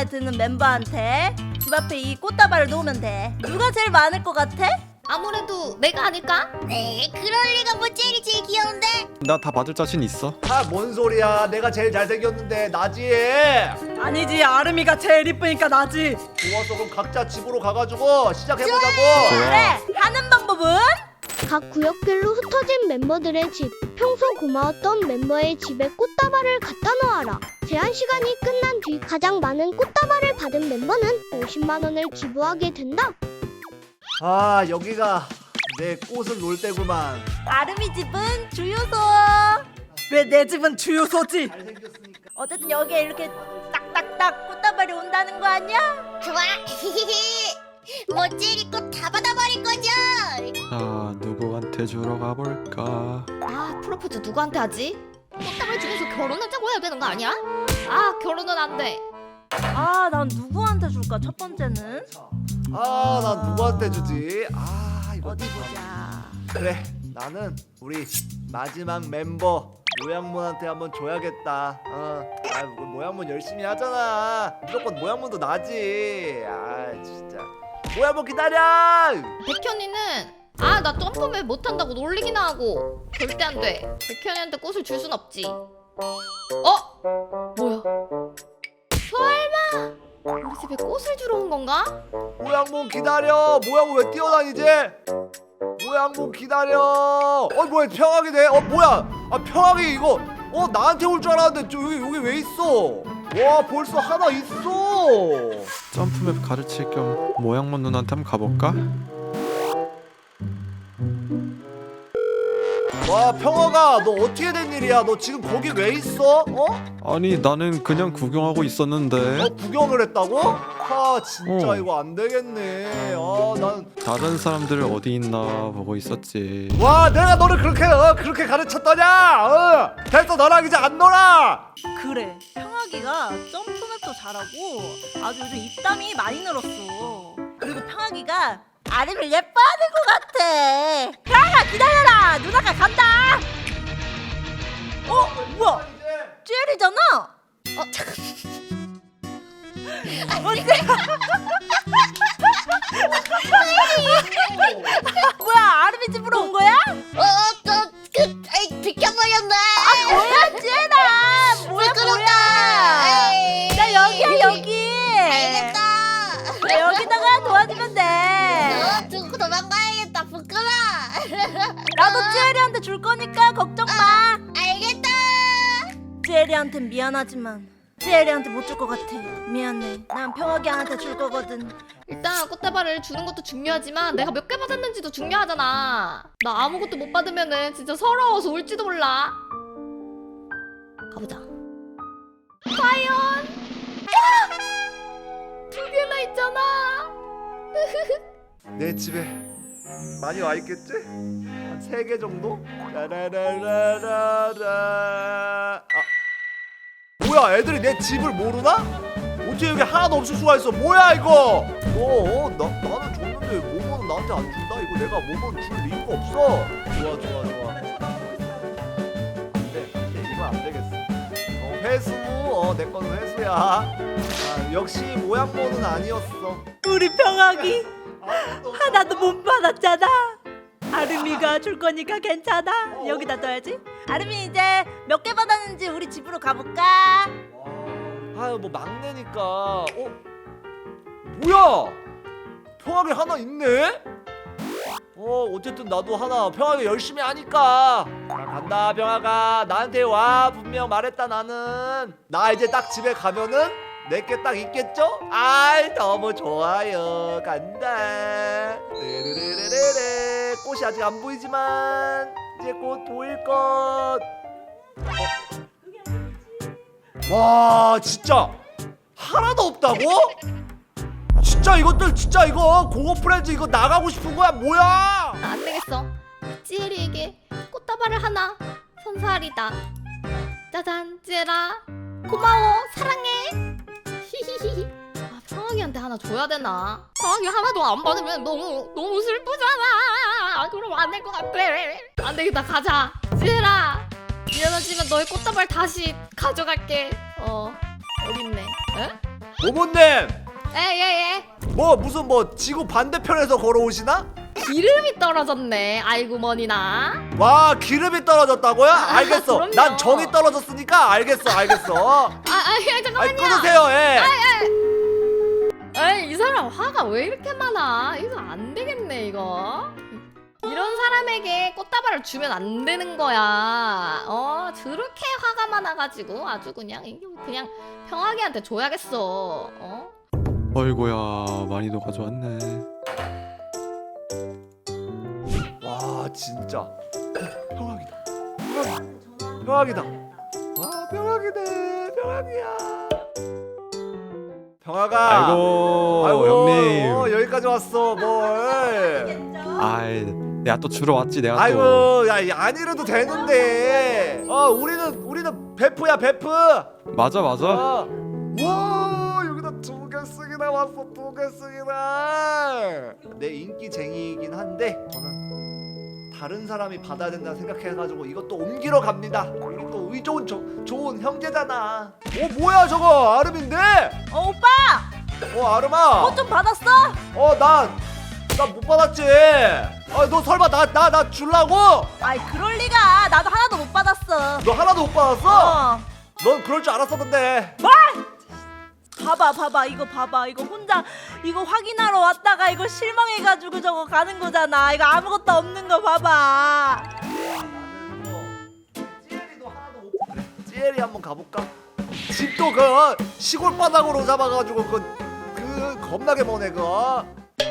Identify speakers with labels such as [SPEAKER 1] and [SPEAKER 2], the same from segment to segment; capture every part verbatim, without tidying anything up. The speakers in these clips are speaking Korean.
[SPEAKER 1] 드는 멤버한테 집 앞에 이 꽃다발을 놓으면 돼. 누가 제일 많을 것 같아?
[SPEAKER 2] 아무래도 내가 아닐까?
[SPEAKER 3] 에이, 그럴 리가. 뭐 젤이 제일 귀여운데?
[SPEAKER 4] 나 다 받을 자신 있어.
[SPEAKER 5] 아, 뭔 소리야. 내가 제일 잘생겼는데 나지.
[SPEAKER 6] 아니지, 아름이가 제일 이쁘니까 나지.
[SPEAKER 5] 좋았어. 그럼 각자 집으로 가가지고 시작해보자고.
[SPEAKER 1] 그래, 하는 방법은?
[SPEAKER 7] 각 구역별로 흩어진 멤버들의 집, 평소 고마웠던 멤버의 집에 꽃다발을 갖다 놓아라. 제한 시간이 끝난 뒤 가장 많은 꽃다발을 받은 멤버는 오십만 원을 기부하게 된다.
[SPEAKER 5] 아, 여기가 내 꽃을 놓을 때구만.
[SPEAKER 1] 아름이 집은 주유소.
[SPEAKER 6] 왜 내 집은 주유소지?
[SPEAKER 5] 잘생겼으니까.
[SPEAKER 1] 어쨌든 여기에 이렇게 딱딱딱 꽃다발이 온다는 거 아니야?
[SPEAKER 3] 좋아. 뭐 젤이 꽃 다 받아버릴 거죠?
[SPEAKER 4] 자, 누구한테 주러 가볼까?
[SPEAKER 2] 아 프로포즈 누구한테 하지? 꽃다발 중에서 결혼하자고 해야 되는 거 아니야? 아 결혼은 안 돼.
[SPEAKER 1] 아, 난 누구한테 줄까? 첫 번째는
[SPEAKER 5] 아, 난 누구한테 주지? 아, 이거
[SPEAKER 1] 어디
[SPEAKER 5] 참.
[SPEAKER 1] 보자.
[SPEAKER 5] 그래, 나는 우리 마지막 멤버 모양문한테 한번 줘야겠다. 어, 아, 뭐 모양문 열심히 하잖아. 무조건 모양문도 나지. 아, 진짜. 모양문 기다려.
[SPEAKER 2] 백현이는 아 나 점프맨 못한다고 놀리기나 하고 절대 안 돼. 백현이한테 꽃을 줄 순 없지. 어? 뭐야? 설마 우리 집에 꽃을 주러 온 건가?
[SPEAKER 5] 모양문 기다려. 모양문 왜 뛰어다니지? 모양문 기다려. 어, 뭐야, 평하게 돼? 어, 뭐야? 아, 평하게 이거 어 나한테 올 줄 알았는데 저 여기 여기 왜 있어? 와, 벌써 하나 있어.
[SPEAKER 4] 점프맵 가르칠 겸 모양문 누나한테 한번 가볼까?
[SPEAKER 5] 와, 평화가 너 어떻게 된 일이야? 너 지금 거기 왜 있어? 어?
[SPEAKER 4] 아니 나는 그냥 구경하고 있었는데
[SPEAKER 5] 어, 구경을 했다고? 아, 진짜
[SPEAKER 4] 어.
[SPEAKER 5] 이거 안 되겠네. 아, 난
[SPEAKER 4] 다른 사람들 어디 있나 보고 있었지.
[SPEAKER 5] 와, 내가 너를 그렇게 어, 그렇게 가르쳤더냐? 어, 됐어, 너랑 이제 안 놀아.
[SPEAKER 1] 그래, 평하기가 점프맵도 잘하고 아주 요즘 입담이 많이 늘었어. 그리고 평하기가 아름을 예뻐하는 것 같아. 평하가 기다려라, 누나가 간다. 어, 뭐야? 젤이잖아.
[SPEAKER 2] 어 잠깐.
[SPEAKER 1] 어째? 뭐야, 아름이 집으로 온 거야?
[SPEAKER 3] 어, 저, 그, 아이, 비켜버렸네.
[SPEAKER 1] 뭐야, 젤아? 뭐야, 뭐야?
[SPEAKER 3] 에이.
[SPEAKER 1] 나 여기야, 여기.
[SPEAKER 3] 알겠다.
[SPEAKER 1] 나 여기다가 도와주면 돼.
[SPEAKER 3] 어, 두고 도망가야겠다. 부끄러.
[SPEAKER 1] 나도 젤이한테 줄 거니까 걱정 마.
[SPEAKER 3] 알겠다.
[SPEAKER 1] 젤이한텐 미안하지만 젤이한테 못 줄 것 같아. 미안해. 난 평화기한테 줄 거거든.
[SPEAKER 2] 일단 꽃다발을 주는 것도 중요하지만 내가 몇 개 받았는지도 중요하잖아. 나 아무것도 못 받으면은 진짜 서러워서 울지도 몰라. 가보자. 과연? 두 개나 있잖아.
[SPEAKER 5] 내 집에 많이 와 있겠지? 한 세 개 정도? 라라라라라라. 아, 뭐야, 애들이 내 집을 모르나? 어떻게 여기 하나도 없을 수가 있어? 뭐야 이거? 어, 나 나는 줬는데 모모는 나한테 안 준다? 이거 내가 모모는 줄 이유가 없어. 좋아, 좋아, 좋아. 안돼, 안돼, 이거 안 되겠어. 어, 회수, 어, 내 거는 회수야. 아, 역시 모양모는 아니었어.
[SPEAKER 6] 우리 평하기
[SPEAKER 5] 아무도 없어.
[SPEAKER 6] 하나도 못 받았잖아. 아름이가 줄 거니까 괜찮아. 여기다 둬야지.
[SPEAKER 1] 아름이 이제 몇 개 받았는지 우리 집으로 가볼까?
[SPEAKER 5] 아유, 뭐 막내니까. 어? 뭐야? 평하게 하나 있네? 어, 어쨌든 나도 하나 평하게 열심히 하니까. 자, 간다, 평하가. 나한테 와. 분명 말했다, 나는. 나 이제 딱 집에 가면은 내게 딱 있겠죠? 아이, 너무 좋아요. 간다. 르르르르르. 꽃이 아직 안 보이지만 이제 곧 보일 것. 와, 진짜 하나도 없다고? 진짜 이것들 진짜 이거 고고 프렌즈 이거 나가고 싶은 거야 뭐야?
[SPEAKER 2] 나 안 되겠어. 찌엘이에게 꽃다발을 하나 선사하리다. 짜잔, 찌엘아. 고마워, 사랑해. 히히히히. 아, 평하기한테 하나 줘야 되나? 평하기 하나도 안 받으면 너무 너무 슬프잖아. 아, 그럼 안 될 것 같아. 안 되겠다, 가자. 찌엘아, 미안하지만 너의 꽃다발 다시 가져갈게. 어, 여기 있네. 에?
[SPEAKER 5] 모모님
[SPEAKER 2] 에예예.
[SPEAKER 5] 뭐 무슨 뭐 지구 반대편에서 걸어오시나?
[SPEAKER 2] 기름이 떨어졌네. 아이고 머니나.
[SPEAKER 5] 와 기름이 떨어졌다고요? 알겠어.
[SPEAKER 2] 그럼요.
[SPEAKER 5] 난 정이 떨어졌으니까 알겠어 알겠어.
[SPEAKER 2] 아, 아, 야, 잠깐만요.
[SPEAKER 5] 아이 끊으세요. 예.
[SPEAKER 2] 에이, 이 사람 화가 왜 이렇게 많아? 이거 안 되겠네 이거. 이런 사람에게 꽃다발을 주면 안 되는 거야. 어, 저렇게 화가 많아가지고 아주 그냥 이게 그냥 평화기한테 줘야겠어. 어?
[SPEAKER 4] 어이구야 많이도 가져왔네.
[SPEAKER 5] 와 진짜 평화기다. 평화기. 평화기다. 와 평화기네. 평화기야. 평화가.
[SPEAKER 4] 아이고,
[SPEAKER 5] 아이고
[SPEAKER 4] 형님.
[SPEAKER 5] 어, 여기까지 왔어 뭘.
[SPEAKER 4] 아이 내가 또 주러 왔지 내가 또.
[SPEAKER 5] 아이고 야안 이래도 되는데. 어 우리는 우리는 베프야 베프.
[SPEAKER 4] 맞아 맞아.
[SPEAKER 5] 어. 와 여기다 두 개씩이나 왔어 두 개씩이나. 내 인기쟁이이긴 한데 저는 다른 사람이 받아야 된다 생각해가지고 이것도 옮기러 갑니다. 우리 또 의좋은 조, 좋은 형제잖아. 어 뭐야 저거 아름인데?
[SPEAKER 1] 어 오빠
[SPEAKER 5] 어 아름아.
[SPEAKER 1] 꽃 좀 받았어?
[SPEAKER 5] 어난 나 못 받았지. 아 너 설마 나 나 나 줄라고?
[SPEAKER 1] 아이 그럴 리가. 나도 하나도 못 받았어.
[SPEAKER 5] 너 하나도 못 받았어?
[SPEAKER 1] 어.
[SPEAKER 5] 넌 그럴 줄 알았어 근데.
[SPEAKER 1] 봐봐 봐봐 이거 봐봐 이거 혼자 이거 확인하러 왔다가 이거 실망해가지고 저거 가는 거잖아. 이거 아무것도 없는 거 봐봐.
[SPEAKER 5] 찌엘이도 하나도 못 받았어. 찌엘이 한번 가볼까? 집도 그 시골 바닥으로 잡아가지고 그, 그 겁나게 머네 그거.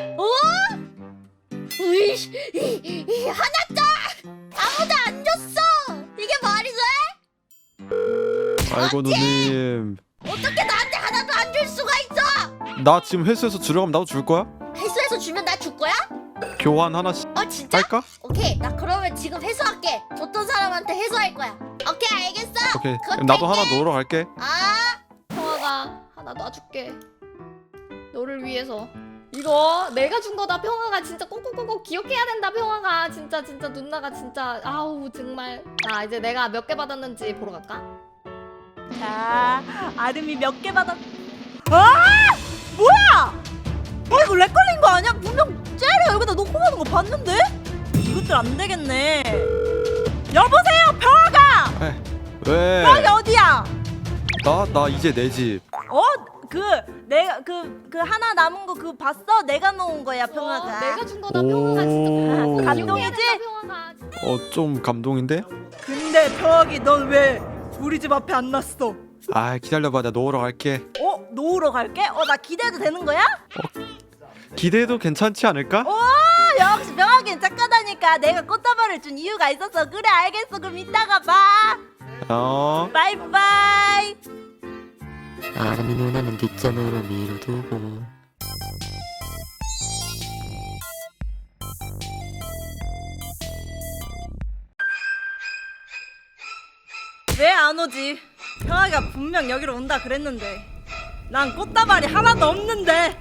[SPEAKER 3] 으이씨, 이, 이, 하나 더! 아무도 안 줬어! 이게 말이 돼?
[SPEAKER 4] 아이고 누님.
[SPEAKER 3] 어떻게 나한테 하나도 안 줄 수가 있어?
[SPEAKER 4] 나 지금 회수해서 주러 가면 나도 줄 거야?
[SPEAKER 3] 회수해서 주면 나 줄 거야?
[SPEAKER 4] 교환 하나씩
[SPEAKER 3] 어 진짜?
[SPEAKER 4] 할까?
[SPEAKER 3] 오케이, 나 그러면 지금 회수할게. 줬던 사람한테 회수할 거야. 오케이, 알겠어.
[SPEAKER 4] 오케이.
[SPEAKER 3] 그거
[SPEAKER 4] 그럼 나도
[SPEAKER 3] 탈게.
[SPEAKER 4] 하나 넣으러 갈게.
[SPEAKER 3] 아,
[SPEAKER 2] 평화가 하나 놔줄게. 너를 위해서. 이거 내가 준 거다. 평화가 진짜 꼭꼭꼭꼭 기억해야 된다. 평화가 진짜 진짜 누나가 진짜 아우 정말. 자 이제 내가 몇 개 받았는지 보러 갈까?
[SPEAKER 1] 자 아름이 몇 개 받았. 아 뭐야? 어 이거 렉 걸린 거 아니야? 분명 쟤를 여기다 놓고 가는 거 봤는데? 이것들 안 되겠네. 여보세요 평화가.
[SPEAKER 4] 에, 왜?
[SPEAKER 1] 평화가 어디야?
[SPEAKER 4] 나 나 이제 내 집.
[SPEAKER 1] 어? 그 내가 그 그 하나 남은 거 그거 봤어? 내가 놓은 거야 평화가.
[SPEAKER 2] 어, 내가 준 거다. 평화가 진짜
[SPEAKER 4] 오.
[SPEAKER 2] 기억해야
[SPEAKER 1] 감동이지?
[SPEAKER 2] 된다, 평화가.
[SPEAKER 4] 어 좀 감동인데?
[SPEAKER 6] 근데 평화기 넌 왜 우리 집 앞에 안 났어?
[SPEAKER 4] 아 기다려봐 나 넣으러 갈게.
[SPEAKER 1] 어? 놓으러 갈게? 어 나 기대해도 되는 거야?
[SPEAKER 4] 기대해도 괜찮지 않을까?
[SPEAKER 1] 오 역시 명하긴 착하다니까. 내가 꽃다발을 준 이유가 있어서. 그래 알겠어. 그럼 이따가 봐.
[SPEAKER 4] 어.
[SPEAKER 1] 바이바이.
[SPEAKER 8] 아름이 누나는 뒷전으로 밀어두고
[SPEAKER 1] 왜 안 오지? 평화가 분명 여기로 온다 그랬는데 난 꽃다발이 하나도 없는데.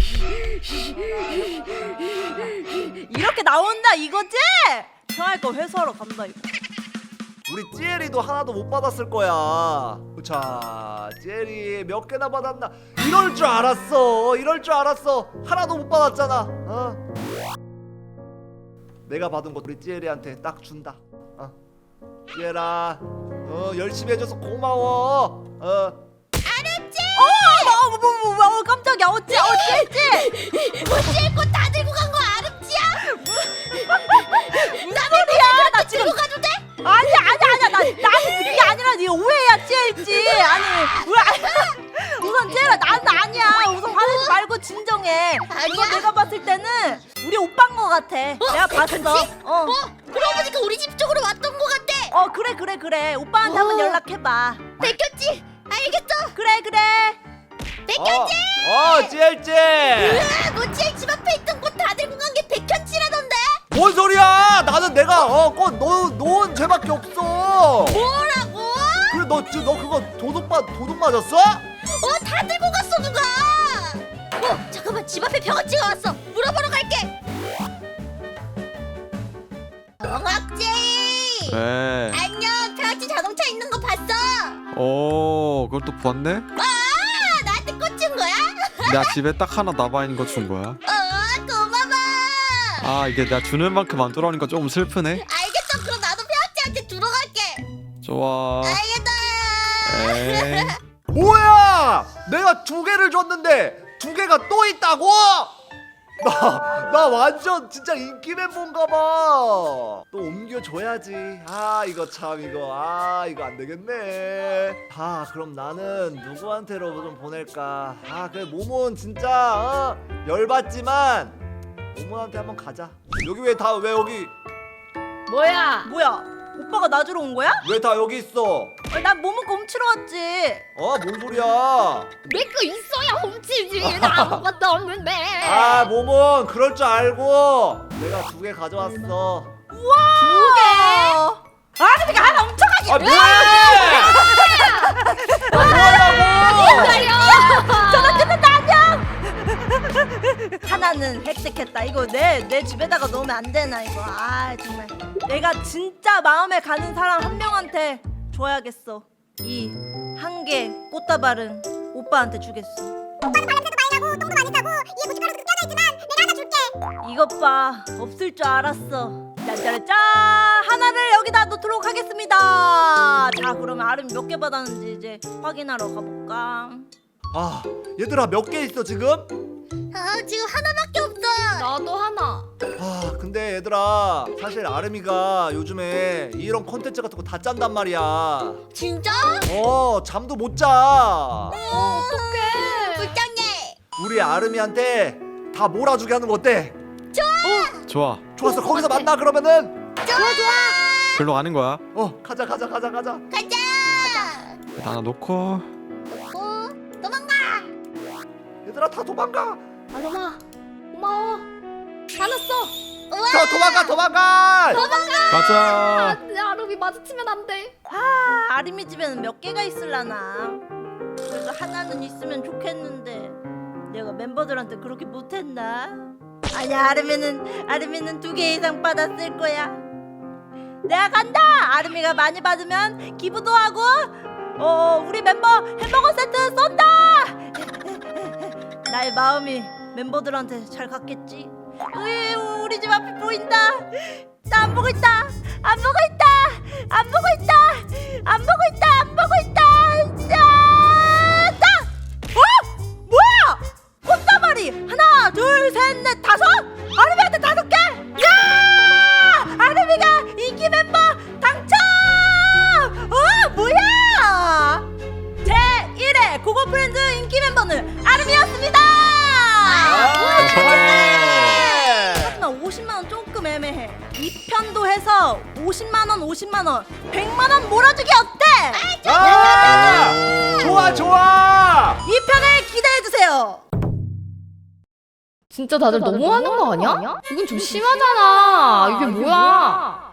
[SPEAKER 1] 이렇게 나온다 이거지? 평화 거 회수하러 간다 이거.
[SPEAKER 5] 우리 찌엘이도 하나도 못 받았을 거야. 자, 찌엘이 몇 개나 받았나? 이럴 줄 알았어. 이럴 줄 알았어. 하나도 못 받았잖아. 어? 내가 받은 거 우리 찌엘이한테 딱 준다. 어. 찌엘아, 어 열심히 해줘서 고마워. 어.
[SPEAKER 1] 어, 뭐, 뭐, 뭐, 뭐, 어, 깜짝이야. 어찌, 어찌, 어찌.
[SPEAKER 3] 어찌 꽃다 들고 간 거 아름지야?
[SPEAKER 1] 무슨 소리야? 나 지금
[SPEAKER 3] 들고 가도 돼?
[SPEAKER 1] 아니, 아니, 아니, 나, 나는 그게 아니라 네 오해야, 찌엘지. 아니, 왜? 우선 찌엘아, 나는 아니야. 우선 화내지 말고 진정해.
[SPEAKER 3] 아니야.
[SPEAKER 1] 이거 내가 봤을 때는 우리 오빠인 거 같아. 내가 봤어. 어,
[SPEAKER 3] 어, 그러고 보니까 우리 집 쪽으로 왔던 거 같아.
[SPEAKER 1] 어, 그래, 그래, 그래. 오빠한테 한번
[SPEAKER 3] 어.
[SPEAKER 1] 연락해봐.
[SPEAKER 3] 뺏겼지? 알겠어.
[SPEAKER 1] 그래, 그래.
[SPEAKER 3] 뺏겼지?
[SPEAKER 5] 어, 어 찌엘찌.
[SPEAKER 3] 으아, 뭐지? 집 앞에 있던 꽃 다 들고 간 게 백현치라던데?
[SPEAKER 5] 뭔 소리야? 나는 내가 어꽃 놓은 죄밖에 없어.
[SPEAKER 3] 뭐라고?
[SPEAKER 5] 그래 너, 지- 너 그거 도둑 맞 도둑 맞았어?
[SPEAKER 3] 어, 다 들고 갔어 누가? 어, 잠깐만 집 앞에 병아찌가 왔어. 물어보러 갈게. 병아찌.
[SPEAKER 4] 왜?
[SPEAKER 3] 안녕. 병아찌 자동차 있는 거 봤어?
[SPEAKER 4] 어 그걸 또 봤네?
[SPEAKER 3] 아, 나한테 꽂힌 거야?
[SPEAKER 4] 내가 집에 딱 하나 남아있는 거 준 거야.
[SPEAKER 3] 어, 고마워.
[SPEAKER 4] 아 이게 내가 주는 만큼 안 돌아오니까 조금 슬프네.
[SPEAKER 3] 알겠어. 그럼 나도 평지한테 들어갈게.
[SPEAKER 4] 좋아.
[SPEAKER 3] 알겠다.
[SPEAKER 4] 에이.
[SPEAKER 5] 뭐야? 내가 두 개를 줬는데 두 개가 또 있다고? 나, 나 완전 진짜 인기 멤버인가 봐. 또 옮겨줘야지. 아 이거 참 이거 아 이거 안 되겠네. 아 그럼 나는 누구한테로 좀 보낼까? 아 그래 모몬 진짜 어? 열받지만 모몬한테 한번 가자. 여기 왜 다 왜 여기
[SPEAKER 2] 뭐야?
[SPEAKER 1] 뭐야? 오빠가 나 주러 온 거야?
[SPEAKER 5] 왜 다 여기 있어?
[SPEAKER 1] 어, 난 모모거 훔치러 왔지.
[SPEAKER 5] 어 뭔 소리야?
[SPEAKER 2] 내 거 있어야 훔치지. 나 아무것도 없는데.
[SPEAKER 5] 아 모몬 그럴 줄 알고 내가 두 개 가져왔어.
[SPEAKER 1] 우와. 두 개. 아름이가 하나 훔쳐가기.
[SPEAKER 5] 아 뭐해? 아 뭐하냐고?
[SPEAKER 1] 전화 끊는다 안녕. 하나는 획득했다. 이거 내 내 집에다가 넣으면 안 되나 이거. 아 정말. 내가 진짜 마음에 가는 사람 한 명한테 줘야겠어. 이 한 개 꽃다발은 오빠한테 주겠어.
[SPEAKER 3] 오빠는 발냄새도 많이 나고 똥도 많이 싸고 이에 고춧가루도 껴져 있지만 내가 하나 줄게.
[SPEAKER 1] 이것 봐, 없을 줄 알았어. 짠짜라짠! 하나를 여기다 놓도록 하겠습니다. 자, 그러면 아름 몇 개 받았는지 이제 확인하러 가볼까?
[SPEAKER 5] 아 얘들아 몇 개 있어 지금?
[SPEAKER 3] 아 지금 하나밖에 없어.
[SPEAKER 2] 나도 하나.
[SPEAKER 5] 아 근데 얘들아 사실 아름이가 요즘에 이런 콘텐츠 같은 거 다 짠단 말이야.
[SPEAKER 3] 진짜?
[SPEAKER 5] 어 잠도 못 자.
[SPEAKER 2] 어떡해.
[SPEAKER 3] 불쌍해.
[SPEAKER 5] 우리 아름이한테 다 몰아주게 하는 거 어때?
[SPEAKER 4] 좋아.
[SPEAKER 5] 좋았어 거기서 만나 그러면은.
[SPEAKER 3] 좋아 좋아.
[SPEAKER 4] 글로 가는 거야.
[SPEAKER 5] 어 가자 가자 가자 가자.
[SPEAKER 3] 가자.
[SPEAKER 4] 하나 놓고.
[SPEAKER 3] 어 도망가.
[SPEAKER 5] 얘들아 다 도망가.
[SPEAKER 2] 아름아, 고마워. 화났어.
[SPEAKER 5] 저 도망가 도망가.
[SPEAKER 4] 가자.
[SPEAKER 2] 아, 내 아름이 마주치면 안 돼.
[SPEAKER 1] 아, 아름이 집에는 몇 개가 있을라나? 그래도 하나는 있으면 좋겠는데 내가 멤버들한테 그렇게 못했나? 아니야, 아름이는 아름이는 두 개 이상 받았을 거야. 내가 간다. 아름이가 많이 받으면 기부도 하고, 어 우리 멤버 햄버거 세트 쏜다. 나의 마음이 멤버들한테 잘 갔겠지. 으이, 우리 집 앞이 보인다. 나 안 보고 있다. 안 보고 있다. 안 보고 있다. 안 보고 있다. 안 보고 있다. 자, 딱. 어? 뭐야? 꽃다발이 하나, 둘, 셋, 넷, 다섯? 아름이한테 다섯 개? 야! 아름이가 인기 멤버 당첨! 어, 뭐야? 제일 회 고고 프렌즈 인기 멤버는 아름이었습니다.
[SPEAKER 5] 아, 축하해.
[SPEAKER 1] 하지만 오십만 원 조금 애매해. 이 편도 해서 오십만 원, 오십만 원, 백만 원 몰아주기 어때?
[SPEAKER 5] 아, 좋아 좋아.
[SPEAKER 1] 이 편을 기대해 주세요.
[SPEAKER 2] 진짜 다들 너무하는 거 아니야? 이건 좀 심하잖아. 이게 뭐야?